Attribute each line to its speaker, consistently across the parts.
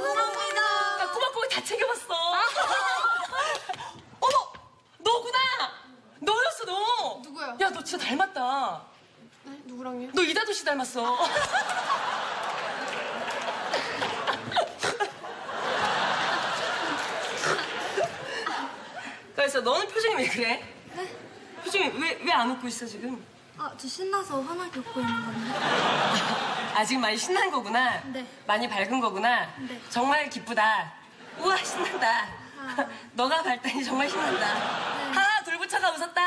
Speaker 1: 감사합니다.
Speaker 2: 나 꼬박꼬박 다 챙겨봤어. 어머, 너구나. 너였어, 너.
Speaker 1: 누구요?
Speaker 2: 야, 너 진짜 닮았다.
Speaker 1: 네? 누구랑요?
Speaker 2: 너 이다도 씨 닮았어. 그래서 너는 표정이 왜 그래?
Speaker 1: 네?
Speaker 2: 표정이 왜 안 웃고 있어, 지금?
Speaker 1: 아, 저 신나서 환하게 웃고 있는 건데.
Speaker 2: 아, 지금 많이 신난 거구나.
Speaker 1: 네.
Speaker 2: 많이 밝은 거구나.
Speaker 1: 네.
Speaker 2: 정말 기쁘다. 우와, 신난다.
Speaker 1: 아.
Speaker 2: 너가 밝다니 정말 신난다. 하하, 돌부처가 웃었다.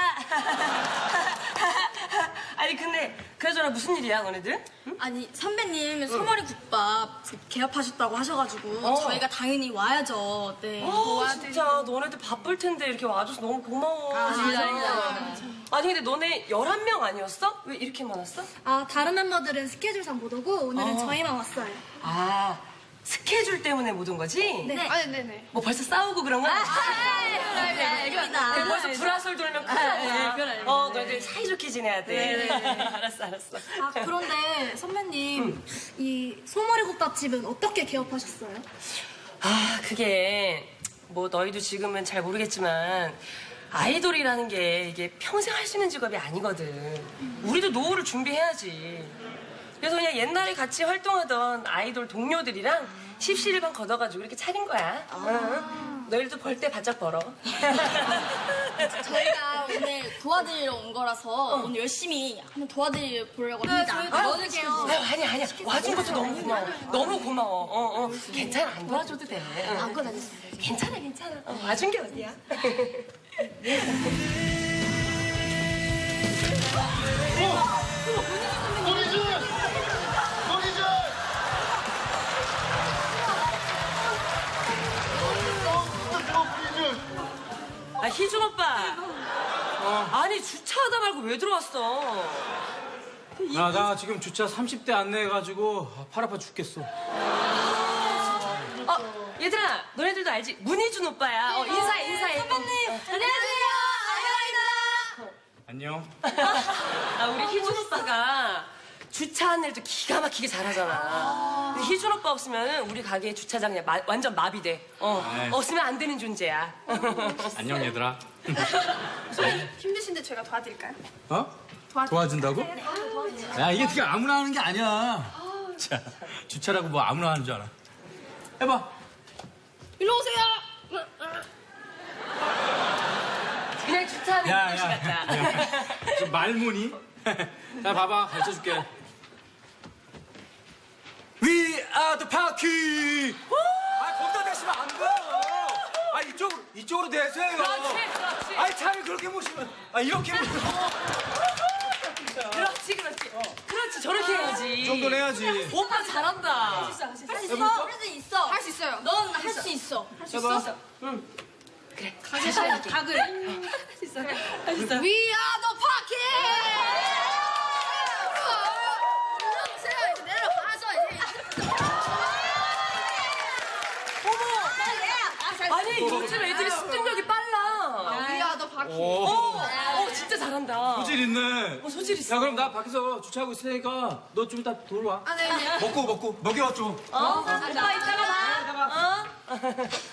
Speaker 2: 아니, 근데 그나저나 무슨 일이야, 너네들? 응?
Speaker 1: 아니, 선배님 소머리 국밥 개업하셨다고 하셔가지고
Speaker 2: 어.
Speaker 1: 저희가 당연히 와야죠. 네.
Speaker 2: 진짜 너네들 바쁠 텐데 이렇게 와줘서 너무 고마워.
Speaker 1: 아닙니다.
Speaker 2: 아니, 근데 너네 11명 아니었어? 왜 이렇게 많았어?
Speaker 1: 아, 다른 멤버들은 스케줄상 못 오고 오늘은 저희만 왔어요.
Speaker 2: 아, 스케줄 때문에 못 온 거지?
Speaker 1: 네.
Speaker 3: 아, 네네.
Speaker 2: 뭐 벌써 싸우고 그런 거 아니야?
Speaker 1: 알겠습니다.
Speaker 2: 벌써 불화설 돌면 큰일 나잖아. 너희들 사이좋게 지내야 돼. 알았어.
Speaker 1: 아, 그런데 선배님, 이 소머리 국밥집은 어떻게 개업하셨어요?
Speaker 2: 아, 그게 뭐 너희도 지금은 잘 모르겠지만 아이돌이라는 게 이게 평생 할 수 있는 직업이 아니거든. 우리도 노후를 준비해야지. 그래서 그냥 옛날에 같이 활동하던 아이돌 동료들이랑 십시일반 걷어가지고 이렇게 차린 거야. 응. 너희들도 벌 때 바짝 벌어.
Speaker 1: 저희가 오늘 도와드리러 온 거라서 오늘 열심히 한번 도와드려 보려고 합니다.
Speaker 2: 도와드릴게요. 아니야. 와준 것도 너무 고마워. 너무 고마워. 괜찮아. 안 도와줘도 돼.
Speaker 1: 안고 다녔어요.
Speaker 2: 괜찮아. 와준 게 어디야. 아, 희준 오빠. 아니, 주차하다 말고 왜 들어왔어?
Speaker 4: 나 지금 주차 30대 안내해가지고 팔 아파 죽겠어.
Speaker 2: 얘들아, 너네들도 알지? 문희준 오빠야. 인사해. 선배님, 안녕하세요.
Speaker 4: 안녕.
Speaker 2: 아, 우리 희준 오빠가 주차 안내를 또 기가 막히게 잘하잖아. 근데 희준 오빠 없으면 우리 가게 주차장 그냥 완전 마비돼.
Speaker 4: 네.
Speaker 2: 없으면 안 되는 존재야.
Speaker 4: 안녕 얘들아.
Speaker 3: 힘드신데 제가 도와드릴까요?
Speaker 4: 어? 도와준다고? 야 이게 어떻게 아무나 하는 게 아니야. 자, 주차라고 뭐 아무나 하는 줄 알아. 해봐.
Speaker 3: 일로 오세요.
Speaker 2: 그냥 주차하는
Speaker 4: 야,
Speaker 2: 아저씨 같다.
Speaker 4: 좀 말문이? 자 봐봐 가르쳐줄게. We are the party. 아 거기다 대시면 안 돼요. 아 이쪽으로 대세요.
Speaker 2: 그렇지.
Speaker 4: 아니 차를 그렇게 모시면 이렇게 모시면
Speaker 2: 그렇지. 저렇게 해야지.
Speaker 4: 이 정도는 해야지.
Speaker 2: 오빠 잘한다.
Speaker 1: 할 수 있어. 할 수 있어.
Speaker 3: 할 수 있어요.
Speaker 1: 넌 할 수 있어.
Speaker 4: 해봐.
Speaker 2: 그래.
Speaker 1: 다 그래.
Speaker 2: 할수 있어.
Speaker 3: We are the party.
Speaker 2: 아니, 요즘 애들이 습득력이 빨라.
Speaker 3: We are the party.
Speaker 2: 진짜 잘한다.
Speaker 4: 소질 있네.
Speaker 2: 소질 있어.
Speaker 4: 야 그럼 나 밖에서 주차하고 있으니까 너 좀 이따 들어와.
Speaker 3: 아, 네.
Speaker 4: 먹고 먹여 좀.
Speaker 2: 오빠 이따가 봐.